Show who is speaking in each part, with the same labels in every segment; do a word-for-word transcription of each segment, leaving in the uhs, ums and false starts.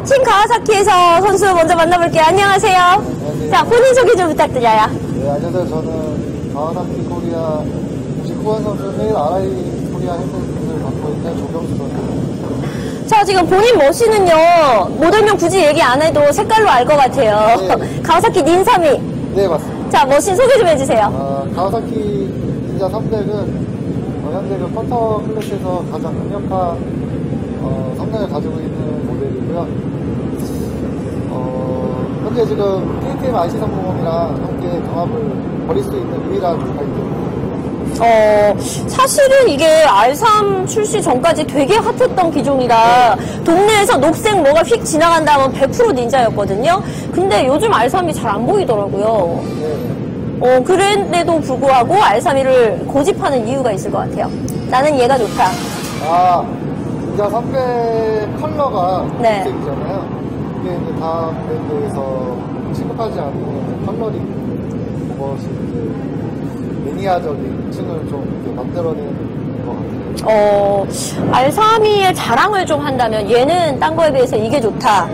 Speaker 1: 팀 가와사키에서 선수 먼저 만나볼게요. 안녕하세요.
Speaker 2: 안녕하세요.
Speaker 1: 자, 본인 소개 좀 부탁드려요.
Speaker 2: 네, 안녕하세요. 저는 가와사키 코리아 구십구 번 선수 내일 아라이 코리아 핸드를 맡고 있는 조경수 선수입니다.
Speaker 1: 자, 지금 본인 머신은요, 모델명 굳이 얘기 안 해도 색깔로 알 것 같아요.
Speaker 2: 네.
Speaker 1: 가와사키 닌삼이.
Speaker 2: 네, 맞습니다.
Speaker 1: 자, 머신 소개 좀 해주세요.
Speaker 2: 아, 가와사키 닌자 삼백은 어, 현재 그 펀터 클래스에서 가장 강력한 어, 성능을 가지고 있는 모델이고요. 어, 현재 지금 케이티엠 아이씨 삼백이랑 함께 경합을 벌일 수 있는 유일한 바이크입니다.
Speaker 1: 어, 사실은 이게 알 삼 출시 전까지 되게 핫했던 기종이라 동네에서 녹색 뭐가 휙 지나간다 하면 백 퍼센트 닌자였거든요. 근데 요즘 알 삼이 잘 안 보이더라고요.
Speaker 2: 네.
Speaker 1: 어, 그런데도 불구하고 알 삼을 고집하는 이유가 있을 것 같아요. 나는 얘가 좋다.
Speaker 2: 아, 닌자 삼백 컬러가
Speaker 1: 네.
Speaker 2: 녹색이잖아요. 이게 이제 다 브랜드에서 취급하지 않는 컬러링, 그것이 이제 매니아적인 층을 좀 이렇게 만들어내는 것 같아요.
Speaker 1: 어, 알 삼의 자랑을 좀 한다면 얘는 딴 거에 비해서 이게 좋다.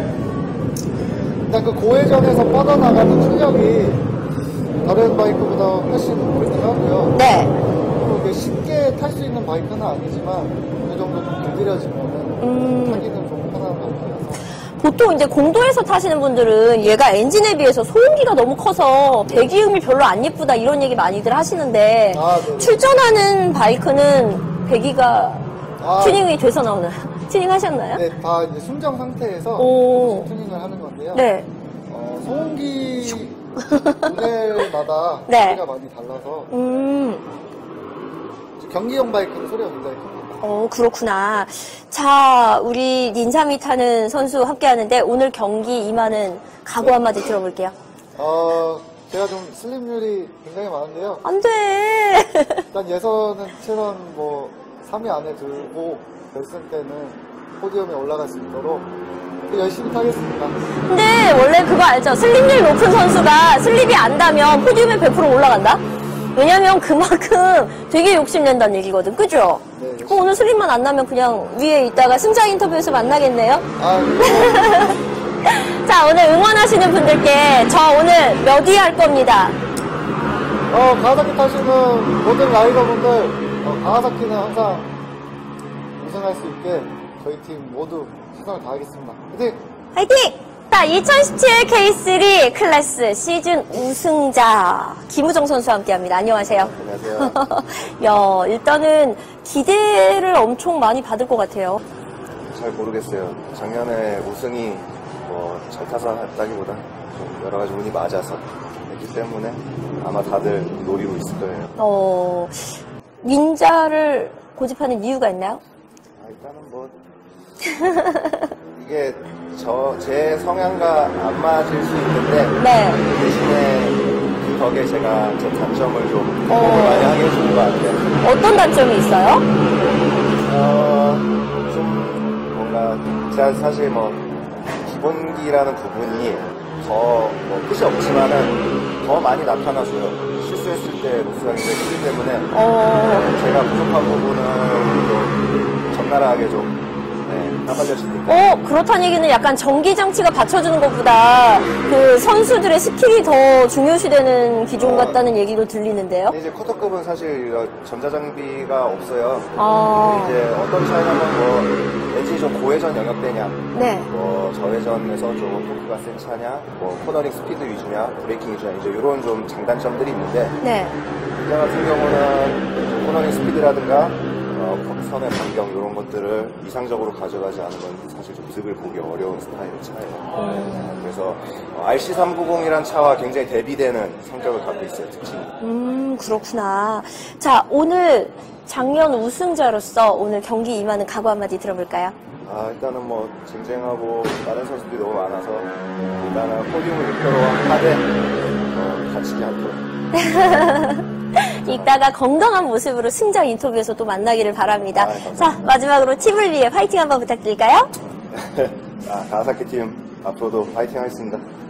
Speaker 2: 일단 그 고회전에서 뻗어나가는 출력이 다른 바이크보다 훨씬 월등하고요.
Speaker 1: 네.
Speaker 2: 그리고 이게 쉽게 탈 수 있는 바이크는 아니지만 어느 정도 좀 길들여지면
Speaker 1: 음.
Speaker 2: 타기는 좀 편한 바이크라서.
Speaker 1: 보통 이제 공도에서 타시는 분들은 얘가 엔진에 비해서 소음기가 너무 커서 배기음이 별로 안 예쁘다 이런 얘기 많이들 하시는데
Speaker 2: 아, 네.
Speaker 1: 출전하는 바이크는 배기가
Speaker 2: 아,
Speaker 1: 튜닝이 돼서 나오나요? 튜닝 하셨나요?
Speaker 2: 네, 다 이제 순정 상태에서
Speaker 1: 오.
Speaker 2: 튜닝을 하는 건데요.
Speaker 1: 네.
Speaker 2: 어, 소음기 모델마다
Speaker 1: 네.
Speaker 2: 소리가 많이 달라서
Speaker 1: 음.
Speaker 2: 경기용 바이크는 소리가 굉장히 큽니다.
Speaker 1: 어, 그렇구나. 자, 우리 닌삼이 타는 선수 함께 하는데 오늘 경기 임하는 각오 한마디 들어볼게요.
Speaker 2: 어, 제가 좀 슬림률이 굉장히 많은데요.
Speaker 1: 안 돼.
Speaker 2: 일단 예선은 최선 뭐 삼 위 안에 들고 결승 때는 포디움에 올라갈 수 있도록 열심히 타겠습니다.
Speaker 1: 근데 원래 그거 알죠? 슬립률 높은 선수가 슬립이 안 닿으면 포디움에 백 퍼센트 올라간다? 왜냐면 그만큼 되게 욕심낸다는 얘기거든. 그죠?
Speaker 2: 네,
Speaker 1: 그럼 오늘 슬립만 안 나면 그냥 위에 있다가 승자 인터뷰에서 만나겠네요?
Speaker 2: 아, 네.
Speaker 1: 자, 오늘 응원하시는 분들께 저 오늘 몇 위 할 겁니다.
Speaker 2: 어, 가와사키 타시는 모든 라이더분들, 어, 가와사키는 항상 우승할 수 있게 저희 팀 모두 최선을 다하겠습니다. 화이팅!
Speaker 1: 화이팅! 자, 이천십칠 케이 쓰리 클래스 시즌 우승자 김우정 선수와 함께합니다. 안녕하세요.
Speaker 2: 안녕하세요.
Speaker 1: 야, 일단은 기대를 엄청 많이 받을 것 같아요.
Speaker 3: 잘 모르겠어요. 작년에 우승이 뭐 잘 타서 했다기보다 좀 여러 가지 운이 맞아서 했기 때문에 아마 다들 노리고 있을 거예요.
Speaker 1: 어, 닌자를 고집하는 이유가 있나요?
Speaker 3: 아, 일단은 뭐 이게 저 제 성향과 안 맞을 수 있는데
Speaker 1: 네.
Speaker 3: 그 대신에 그 덕에 제가 제 단점을 좀
Speaker 1: 어.
Speaker 3: 극복을 많이 하게 해주는 것 같아요.
Speaker 1: 어떤 단점이 있어요?
Speaker 3: 어, 좀 뭔가 제가 사실 뭐 기본기라는 부분이 더 뭐 끝이 없지만은 더 많이 나타나서요. 실수했을 때 로스가 굉장히 크기 때문에
Speaker 1: 어,
Speaker 3: 제가 부족한 부분은 좀 적나라하게 좀 네, 까발려지니까.
Speaker 1: 어, 그렇다는 얘기는 약간 전기장치가 받쳐주는 것보다 그 선수들의 스킬이 더 중요시되는 기종 같다는 얘기로 들리는데요?
Speaker 3: 근데 이제 쿼터급은 사실 전자장비가 없어요.
Speaker 1: 아,
Speaker 3: 근데 이제 어떤 차이냐면 뭐 왠지 좀 고회전 영역대냐,
Speaker 1: 네.
Speaker 3: 뭐 저회전에서 좀 토크가 센 차냐, 뭐 코너링 스피드 위주냐, 브레이킹 위주냐, 이제 이런 좀 장단점들이 있는데
Speaker 1: 네.
Speaker 3: 이 같은 경우는 코너링 스피드라든가 어, 선의 반경 이런 것들을 이상적으로 가져가지 않으면 사실 좀 득을 보기 어려운 스타일의 차예요. 네, 그래서 어, 알씨 삼백이란 차와 굉장히 대비되는 성격을 갖고 있어요, 특징이.
Speaker 1: 음, 그렇구나. 자, 오늘 작년 우승자로서 오늘 경기 임하는 각오 한마디 들어볼까요?
Speaker 3: 아, 일단은 뭐 쟁쟁하고 다른 선수들이 너무 많아서 일단은 포디움을 목표로 하되 어, 다치게 할 거예요.
Speaker 1: 이따가 건강한 모습으로 승자 인터뷰에서 또 만나기를 바랍니다.
Speaker 3: 아, 감사합니다.
Speaker 1: 자, 마지막으로 팀을 위해 파이팅 한번 부탁드릴까요?
Speaker 3: 아, 가와사키 팀 앞으로도 파이팅 하겠습니다.